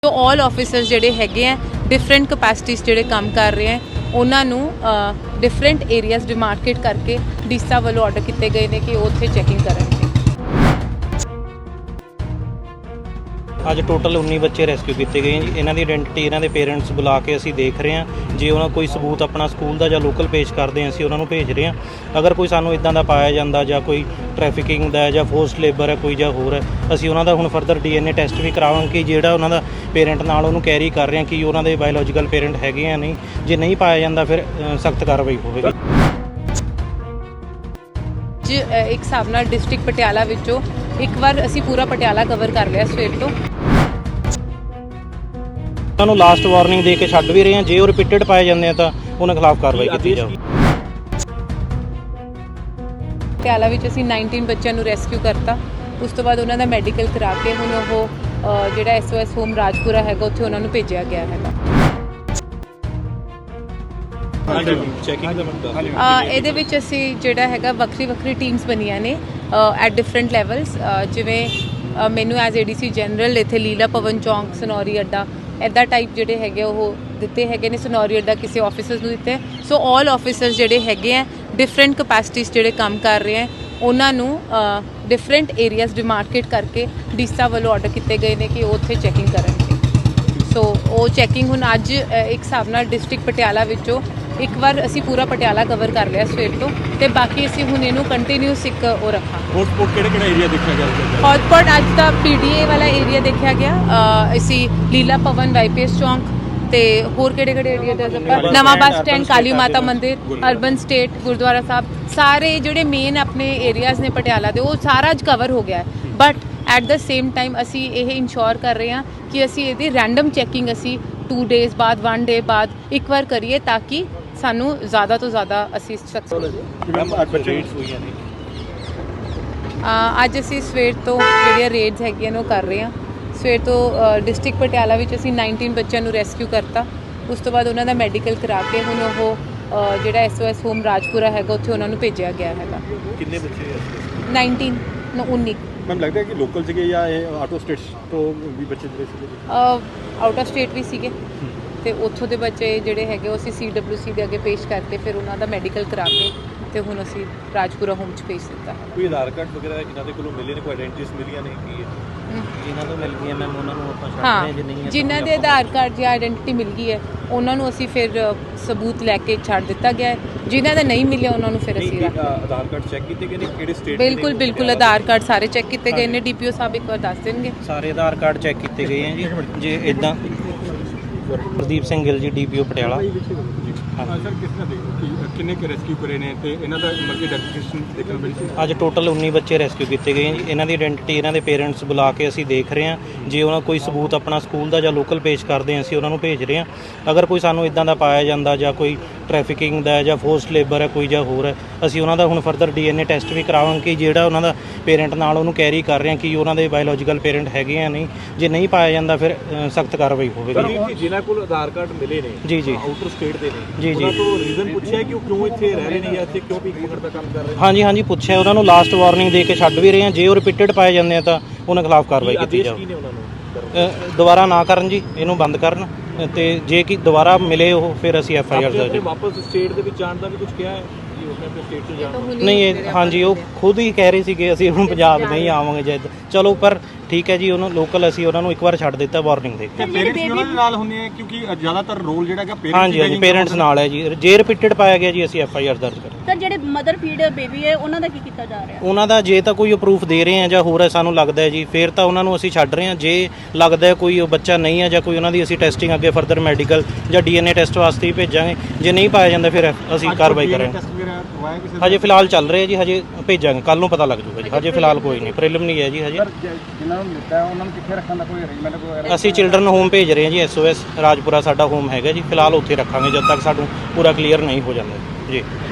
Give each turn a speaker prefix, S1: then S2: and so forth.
S1: ਜੋ ਆਲ ਆਫਿਸਰਸ ਜਿਹੜੇ ਹੈਗੇ ਆ ਡਿਫਰੈਂਟ ਕਪੈਸਿਟੀਜ਼ ਜਿਹੜੇ ਕੰਮ ਕਰ ਰਹੇ ਆ ਉਹਨਾਂ ਨੂੰ ਡਿਫਰੈਂਟ ਏਰੀਆਜ਼ ਡਿਮਾਰਕੇਟ ਕਰਕੇ ਡੀਸਾ ਵੱਲੋਂ ਆਰਡਰ ਕੀਤੇ ਗਏ ਨੇ ਕਿ ਉਹ ਉੱਥੇ ਚੈਕਿੰਗ ਕਰਨਗੇ।
S2: ਅੱਜ ਟੋਟਲ 19 ਬੱਚੇ ਰੈਸਕਿਊ ਕੀਤੇ ਗਏ ਜੀ। ਇਹਨਾਂ ਦੀ ਆਇਡੈਂਟੀਟੀ ਇਹਨਾਂ ਦੇ ਪੇਰੈਂਟਸ ਬੁਲਾ ਕੇ ਅਸੀਂ ਦੇਖ ਰਹੇ ਹਾਂ। ਜੇ ਉਹਨਾਂ ਕੋਈ ਸਬੂਤ ਆਪਣਾ ਸਕੂਲ ਦਾ ਜਾਂ ਲੋਕਲ ਪੇਸ਼ ਕਰਦੇ ਹਾਂ ਅਸੀਂ ਉਹਨਾਂ ਨੂੰ ਭੇਜ ਰਹੇ ਹਾਂ। ਅਗਰ ਕੋਈ ਸਾਨੂੰ ਇਦਾਂ ਦਾ ਪਾਇਆ ਜਾਂਦਾ ਜਾਂ ਕੋਈ ਟ੍ਰੈਫਿਕਿੰਗ ਦਾ ਜਾਂ ਫੋਰਸਡ ਲੇਬਰ ਹੈ ਕੋਈ ਜਾਂ ਹੋਰ ਹੈ, ਅਸੀਂ ਉਹਨਾਂ ਦਾ ਹੁਣ ਫਰਦਰ DNA ਟੈਸਟ ਵੀ ਕਰਾਵਾਂਗੇ ਕਿ ਜਿਹੜਾ ਉਹਨਾਂ ਦਾ ਪੇਰੈਂਟ ਨਾਲ ਉਹਨੂੰ ਕੈਰੀ ਕਰ ਰਹੇ ਹਾਂ ਕਿ ਉਹਨਾਂ ਦੇ ਬਾਇਓਲੋਜੀਕਲ ਪੇਰੈਂਟ ਹੈਗੇ ਆ ਨਹੀਂ। ਜੇ ਨਹੀਂ ਪਾਇਆ ਜਾਂਦਾ ਫਿਰ ਸਖਤ ਕਾਰਵਾਈ ਹੋਵੇਗੀ।
S1: ਇੱਕ ਹਿਸਾਬ ਨਾਲ ਡਿਸਟ੍ਰਿਕਟ ਪਟਿਆਲਾ ਵਿੱਚੋਂ ਇੱਕ ਵਾਰ ਅਸੀਂ ਪੂਰਾ ਪਟਿਆਲਾ ਕਵਰ ਕਰ ਲਿਆ ਸਵੇਰ ਤੋਂ।
S2: ਉਹਨਾਂ ਨੂੰ ਲਾਸਟ ਵਾਰਨਿੰਗ ਦੇ ਕੇ ਛੱਡ ਵੀ ਰਹੇ ਹਾਂ। ਜੇ ਉਹ ਰਿਪੀਟਡ ਪਾਏ ਜਾਂਦੇ ਆ ਤਾਂ ਉਹਨਾਂ ਖਿਲਾਫ ਕਾਰਵਾਈ ਕੀਤੀ ਜਾਵੇ।
S1: ਪਟਿਆਲਾ ਵਿੱਚ ਅਸੀਂ 19 ਬੱਚਿਆਂ ਨੂੰ ਰੈਸਕਿਊ ਕਰਤਾ। ਉਸ ਤੋਂ ਬਾਅਦ ਉਹਨਾਂ ਦਾ ਮੈਡੀਕਲ ਕਰਾ ਕੇ ਹੁਣ ਉਹ ਜਿਹੜਾ SOS ਹੋਮ ਰਾਜਪੁਰਾ ਹੈਗਾ ਉੱਥੇ ਉਹਨਾਂ ਨੂੰ ਭੇਜਿਆ ਗਿਆ ਹੈਗਾ। ਇਹਦੇ ਵਿੱਚ ਅਸੀਂ ਜਿਹੜਾ ਹੈਗਾ ਵੱਖਰੀ ਟੀਮਸ ਬਣੀਆਂ ਨੇ ਐਟ ਡਿਫਰੈਂਟ ਲੈਵਲਸ। ਜਿਵੇਂ ਮੈਨੂੰ ਐਜ਼ ADC ਜਨਰਲ ਇੱਥੇ ਲੀਲਾ ਭਵਨ ਚੌਂਕ ਸਨੌਰੀ ਅੱਡਾ ਇੱਦਾਂ ਟਾਈਪ ਜਿਹੜੇ ਹੈਗੇ ਉਹ ਦਿੱਤੇ ਹੈਗੇ ਨੇ। ਸਨੌਰੀ ਅੱਡਾ ਕਿਸੇ ਆਫਿਸਰਸ ਨੂੰ ਦਿੱਤੇ। ਸੋ ਆਲ ਆਫਿਸਰਸ ਜਿਹੜੇ ਹੈਗੇ ਆ ਡਿਫਰੈਂਟ ਕਪੈਸਿਟੀਜ਼ ਜਿਹੜੇ ਕੰਮ ਕਰ ਰਹੇ ਆ ਉਹਨਾਂ ਨੂੰ ਡਿਫਰੈਂਟ ਏਰੀਆਜ਼ ਡਿਮਾਰਕੇਟ ਕਰਕੇ ਡੀਸਾ ਵੱਲੋਂ ਆਰਡਰ ਕੀਤੇ ਗਏ ਨੇ ਕਿ ਉਹ ਉੱਥੇ ਚੈਕਿੰਗ ਕਰਨਗੇ। ਸੋ ਉਹ ਚੈਕਿੰਗ ਹੁਣ ਅੱਜ ਇੱਕ ਹਿਸਾਬ ਨਾਲ ਡਿਸਟ੍ਰਿਕਟ ਪਟਿਆਲਾ ਵਿੱਚੋਂ ਇੱਕ ਵਾਰ ਅਸੀਂ ਪੂਰਾ ਪਟਿਆਲਾ ਕਵਰ ਕਰ ਲਿਆ ਸਵੇਰ ਤੋਂ ਤੇ ਬਾਕੀ ਅਸੀਂ ਹੁਣ ਇਹਨੂੰ ਕੰਟੀਨਿਊਸ ਇੱਕ ਉਹ ਰੱਖਾਂਗੇ।
S3: ਹੌਟਸਪੌਟ ਕਿਹੜਾ ਏਰੀਆ ਦੇਖਿਆ ਗਿਆ?
S1: ਹੌਟਸਪੌਟ ਅੱਜ ਦਾ PDA ਵਾਲਾ ਏਰੀਆ ਦੇਖਿਆ ਗਿਆ। ਅਸੀਂ ਲੀਲਾ ਭਵਨ YPS ਚੌਂਕ ਤੇ ਹੋਰ ਕਿਹੜੇ ਏਰੀਆ ਦਾ ਨਵਾਂ ਬੱਸ ਸਟੈਂਡ ਕਾਲੀ ਮਾਤਾ ਮੰਦਿਰ ਅਰਬਨ ਸਟੇਟ ਗੁਰਦੁਆਰਾ ਸਾਹਿਬ ਸਾਰੇ ਜਿਹੜੇ ਮੇਨ ਆਪਣੇ ਏਰੀਆਜ਼ ਨੇ ਪਟਿਆਲਾ ਦੇ ਉਹ ਸਾਰਾ ਅੱਜ ਕਵਰ ਹੋ ਗਿਆ ਹੈ। But at the same time ਅਸੀਂ ਇਹ ਇੰਸ਼ੋਰ ਕਰ ਰਹੇ ਹਾਂ ਕਿ ਅਸੀਂ ਇਹਦੀ ਰੈਂਡਮ ਚੈਕਿੰਗ ਅਸੀਂ 2 ਡੇਜ਼ ਬਾਅਦ 1 ਡੇ ਬਾਅਦ ਇੱਕ ਵਾਰ ਕਰੀਏ ਤਾਂ ਕਿ ਸਾਨੂੰ ਜ਼ਿਆਦਾ ਤੋਂ ਜ਼ਿਆਦਾ ਅਸੀਂ ਅੱਜ ਅਸੀਂ ਸਵੇਰ ਤੋਂ ਜਿਹੜੀਆਂ ਰੇਡਸ ਹੈਗੀਆਂ ਨੇ ਉਹ ਕਰ ਰਹੇ ਹਾਂ। ਸਵੇਰ ਤੋਂ ਡਿਸਟ੍ਰਿਕਟ ਪਟਿਆਲਾ ਵਿੱਚ ਅਸੀਂ 19 ਬੱਚਿਆਂ ਨੂੰ ਰੈਸਕਿਊ ਕਰਤਾ। ਉਸ ਤੋਂ ਬਾਅਦ ਉਹਨਾਂ ਦਾ ਮੈਡੀਕਲ ਕਰਾ ਕੇ ਹੁਣ ਉਹ ਜਿਹੜਾ SOS ਹੋਮ ਰਾਜਪੁਰਾ ਹੈਗਾ ਉੱਥੇ ਉਹਨਾਂ ਨੂੰ ਭੇਜਿਆ ਗਿਆ ਹੈਗਾ।
S3: ਕਿੰਨੇ ਬੱਚੇ?
S1: 19
S3: ਮੈਨੂੰ ਲੱਗਦਾ ਹੈ ਕਿ ਲੋਕਲ ਸੀਗੇ ਜਾਂ ਇਹ ਆਊਟ ਆਫ ਸਟੇਟਸ ਤੋਂ ਵੀ ਬੱਚੇ ਜਿਹੜੇ ਸੀਗੇ?
S1: ਆਊਟ ਆਫ ਸਟੇਟ ਵੀ ਸੀਗੇ ਤੇ ਉੱਥੋਂ ਦੇ ਬੱਚੇ ਜਿਹੜੇ ਹੈਗੇ ਉਹ ਅਸੀਂ CWC ਦੇ ਅੱਗੇ ਪੇਸ਼ ਕਰਤੇ। ਫਿਰ ਉਹਨਾਂ ਦਾ ਮੈਡੀਕਲ ਕਰਾ ਕੇ ਤੇ ਹੁਣ ਅਸੀਂ ਰਾਜਪੁਰਾ ਹੋਮ 'ਚ ਭੇਜ ਦਿੱਤਾ।
S3: ਕੋਈ ਆਧਾਰ ਕਾਰਡ ਵਗੈਰਾ ਜਿਨ੍ਹਾਂ ਦੇ ਕੋਲੋਂ ਮਿਲੇ ਨੇ, ਕੋਈ ਆਇਡੈਂਟੀਟੀਜ਼ ਮਿਲੀਆਂ ਨੇ ਕੀ ਹੈ?
S2: ਜਿਨ੍ਹਾਂ ਤੋਂ ਮਿਲ ਗਈਆਂ ਮੈਮ ਉਹਨਾਂ ਨੂੰ ਆਪਾਂ ਛੱਡ
S1: ਹਾਂ,
S2: ਰਹੇ। ਜੇ ਨਹੀਂ
S1: ਜਿਨ੍ਹਾਂ ਦੇ ਆਧਾਰ ਕਾਰਡ ਜਾਂ ਆਇਡੈਂਟੀਟੀ ਮਿਲ ਗਈ ਹੈ ਉਹਨਾਂ ਨੂੰ ਅਸੀਂ ਫਿਰ ਸਬੂਤ ਲੈ ਕੇ ਛੱਡ ਦਿੱਤਾ ਗਿਆ ਹੈ। ਜਿਨ੍ਹਾਂ ਦਾ ਨਹੀਂ ਮਿਲਿਆ ਉਹਨਾਂ ਨੂੰ ਫਿਰ ਅਸੀਂ
S3: ਆਧਾਰ ਕਾਰਡ ਚੈੱਕ ਕੀਤੇ ਗਏ ਨੇ ਕਿਹੜੇ ਸਟੇਟ ਦੇ?
S1: ਬਿਲਕੁਲ ਆਧਾਰ ਕਾਰਡ ਸਾਰੇ ਚੈੱਕ ਕੀਤੇ ਗਏ ਨੇ। DPO ਸਾਹਿਬ ਇੱਕ ਵਾਰ ਦੱਸ ਦੇਣਗੇ।
S2: ਸਾਰੇ ਆਧਾਰ ਕਾਰਡ ਚੈੱਕ ਕੀਤੇ ਗਏ ਆ ਜੀ। ਜੇ ਇਦਾਂ ਪ੍ਰਦੀਪ ਸਿੰਘ ਗਿੱਲ ਜੀ DPO ਪਟਿਆਲਾ।
S3: ਸਰ ਕਿਸ ਤਰ੍ਹਾਂ ਦੇਖੋ ਕਿੰਨੇ ਕੁ ਰੈਸਕਿਊ ਕਰੇ ਨੇ ਤੇ ਇਹਨਾਂ ਦਾ ਮਲਕੀ ਡੈਕਲੇਰੇਸ਼ਨ ਦੇਖਣ ਮਿਲੀ ਸੀ?
S2: ਅੱਜ ਟੋਟਲ 19 ਬੱਚੇ ਰੈਸਕਿਊ ਕੀਤੇ ਗਏ ਜੀ। ਇਹਨਾਂ ਦੀ ਆਇਡੈਂਟੀਟੀ ਇਹਨਾਂ ਦੇ ਪੇਰੈਂਟਸ ਬੁਲਾ ਕੇ ਅਸੀਂ ਦੇਖ ਰਹੇ ਹਾਂ। ਜੇ ਉਹਨਾਂ ਕੋਈ ਸਬੂਤ ਆਪਣਾ ਸਕੂਲ ਦਾ ਜਾਂ ਲੋਕਲ ਪੇਸ਼ ਕਰਦੇ ਹਾਂ ਅਸੀਂ ਉਹਨਾਂ ਨੂੰ ਭੇਜ ਰਹੇ ਹਾਂ। ਅਗਰ ਕੋਈ ਸਾਨੂੰ ਇਦਾਂ ਦਾ ਪਾਇਆ ਜਾਂਦਾ ਜਾਂ ਕੋਈ ਟ੍ਰੈਫਿਕਿੰਗ ਦਾ ਜਾਂ ਫੋਰਸਡ ਲੇਬਰ ਹੈ ਕੋਈ ਜਾਂ ਹੋਰ ਹੈ, ਅਸੀਂ ਉਹਨਾਂ ਦਾ ਹੁਣ ਫਰਦਰ DNA ਟੈਸਟ ਵੀ ਕਰਾਵਾਂਗੇ ਕਿ ਜਿਹੜਾ ਉਹਨਾਂ ਦਾ ਪੇਰੈਂਟ ਨਾਲ ਉਹਨੂੰ ਕੈਰੀ ਕਰ ਰਹੇ ਹਾਂ ਕਿ ਉਹਨਾਂ ਦੇ ਬਾਇਓਲੋਜੀਕਲ ਪੇਰੈਂਟ ਹੈਗੇ ਆ ਨਹੀਂ। ਜੇ ਨਹੀਂ ਪਾਇਆ ਜਾਂਦਾ ਫਿਰ ਸਖਤ ਕਾਰਵਾਈ ਹੋਵੇਗੀ।
S3: ਜਿਨ੍ਹਾਂ ਕੋਲ ਆਧਾਰ ਕਾਰਡ ਮਿਲੇ ਨੇ
S2: ਜੀ
S3: ਆਊਟਰ ਸਟੇਟ ਦੇ ਨੇ
S2: ਜੀ
S3: ਉਹਨਾਂ ਤੋਂ ਰੀਜ਼ਨ ਪੁੱਛਿਆ ਕਿ ਉਹ ਕਿਉਂ ਇੱਥੇ ਰਹਿ ਰਹੇ ਨੇ ਜਾਂ ਇੱਥੇ ਕਿਉਂ ਭੀਖ ਮੰਗਣ ਦਾ ਕੰਮ ਕਰ ਰਹੇ ਨੇ?
S2: ਹਾਂਜੀ ਪੁੱਛਿਆ। ਉਹਨਾਂ ਨੂੰ ਲਾਸਟ ਵਾਰਨਿੰਗ ਦੇ ਕੇ ਛੱਡ ਵੀ ਰਹੇ ਹਾਂ। ਜੇ ਉਹ ਰਿਪੀਟਡ ਪਾਏ ਜਾਂਦੇ ਆ ਤਾਂ ਉਹਨਾਂ ਖਿਲਾਫ ਕਾਰਵਾਈ ਕੀਤੀ ਜਾਵੇ। ਦੁਬਾਰਾ ਨਾ ਕਰਨ ਜੀ, ਇਹਨੂੰ ਬੰਦ ਕਰਨ ਤੇ ਜੇ ਕਿ ਦੁਬਾਰਾ ਮਿਲੇ ਉਹ ਫਿਰ ਅਸੀਂ FIR ਦਰਜ।
S3: ਵਾਪਸ ਸਟੇਟ ਦੇ ਵਿੱਚ ਜਾਣ ਦਾ ਵੀ ਕੁਝ ਕਿਹਾ ਹੈ ਕਿ ਉਹ ਆਪਣੇ ਸਟੇਟ ਤੋਂ ਜਾਣ?
S2: ਨਹੀਂ ਹਾਂਜੀ ਉਹ ਖੁਦ ਹੀ ਕਹਿ ਰਹੇ ਸੀਗੇ ਅਸੀਂ ਹੁਣ ਪੰਜਾਬ ਨਹੀਂ ਆਵਾਂਗੇ ਜਦ। ਚਲੋ ਪਰ ਠੀਕ ਹੈ ਜੀ, ਉਹਨੂੰ ਲੋਕਲ ਅਸੀਂ ਉਹਨਾਂ ਨੂੰ ਇੱਕ ਵਾਰ ਛੱਡ ਦਿੱਤਾ ਵਾਰਨਿੰਗ ਦੇ ਕੇ।
S3: ਪੇਰੈਂਟਸ ਵੀ ਉਹਨਾਂ ਦੇ ਨਾਲ ਹੁੰਦੇ ਆ ਕਿਉਂਕਿ ਜ਼ਿਆਦਾਤਰ ਰੋਲ ਜਿਹੜਾ ਹੈਗਾ ਪੇਰੈਂਟਸ
S2: ਹਾਂਜੀ ਪੇਰੈਂਟਸ ਨਾਲ ਹੈ ਜੀ। ਜੇ ਰਿਪੀਟਡ ਪਾਇਆ ਗਿਆ ਜੀ ਅਸੀਂ FIR ਦਰਜ ਕਰਾਂਗੇ।
S4: ਸਰ ਜਿਹੜੇ ਮਦਰ ਫੀਡ ਬੇਬੀ ਹੈ ਉਹਨਾਂ ਦਾ ਕੀ ਕੀਤਾ ਜਾ ਰਿਹਾ?
S2: ਉਹਨਾਂ ਦਾ ਜੇ ਤਾਂ ਕੋਈ ਪ੍ਰੂਫ ਦੇ ਰਹੇ ਆ ਜਾਂ ਹੋਰ ਹੈ ਸਾਨੂੰ ਲੱਗਦਾ ਹੈ ਜੀ ਫਿਰ ਤਾਂ ਉਹਨਾਂ ਨੂੰ ਅਸੀਂ ਛੱਡ ਰਹੇ ਹਾਂ। ਜੇ ਲੱਗਦਾ ਹੈ ਕੋਈ ਉਹ ਬੱਚਾ ਨਹੀਂ ਹੈ ਜਾਂ ਕੋਈ ਉਹਨਾਂ ਦੀ ਅਸੀਂ ਟੈਸਟਿੰਗ ਅੱਗੇ ਫਰਦਰ ਮੈਡੀਕਲ ਜਾਂ DNA ਟੈਸਟ ਵਾਸਤੇ ਹੀ ਭੇਜਾਂਗੇ। ਜੇ ਨਹੀਂ ਪਾਇਆ ਜਾਂਦਾ ਫਿਰ ਅਸੀਂ ਕਾਰਵਾਈ ਕਰਾਂਗੇ। ਹਜੇ ਫਿਲਹਾਲ ਚੱਲ ਰਿਹਾ ਜੀ, ਹਜੇ ਭੇਜਾਂਗੇ, ਕੱਲ ਨੂੰ ਪਤਾ ਲੱਗ ਜੂਗਾ ਜੀ। ਹਜੇ ਫਿਲਹਾਲ ਕੋਈ ਨਹੀਂ, ਪ੍ਰੀਲਿਮਿਨਰੀ ਹੈ ਜੀ ਹਜੇ।
S3: ਜਿਨ੍ਹਾਂ ਨੂੰ ਮਿਲਦਾ ਉਹਨਾਂ ਨੂੰ ਕਿੱਥੇ ਰੱਖਣ ਦਾ ਕੋਈ ਅਰੇਂਜਮੈਂਟ ਕੋਈ?
S2: ਅਸੀਂ ਚਿਲਡਰਨ ਹੋਮ ਭੇਜ ਰਹੇ ਹਾਂ ਜੀ। SOS ਰਾਜਪੁਰਾ ਸਾਡਾ ਹੋਮ ਹੈਗਾ ਜੀ। ਫਿਲਹਾਲ ਉੱਥੇ ਰੱਖਾਂਗੇ ਜਦ ਤੱਕ ਸਾਨੂੰ ਪੂਰਾ ਕਲੀਅਰ ਨਹੀਂ ਹੋ ਜਾਂਦਾ ਜੀ।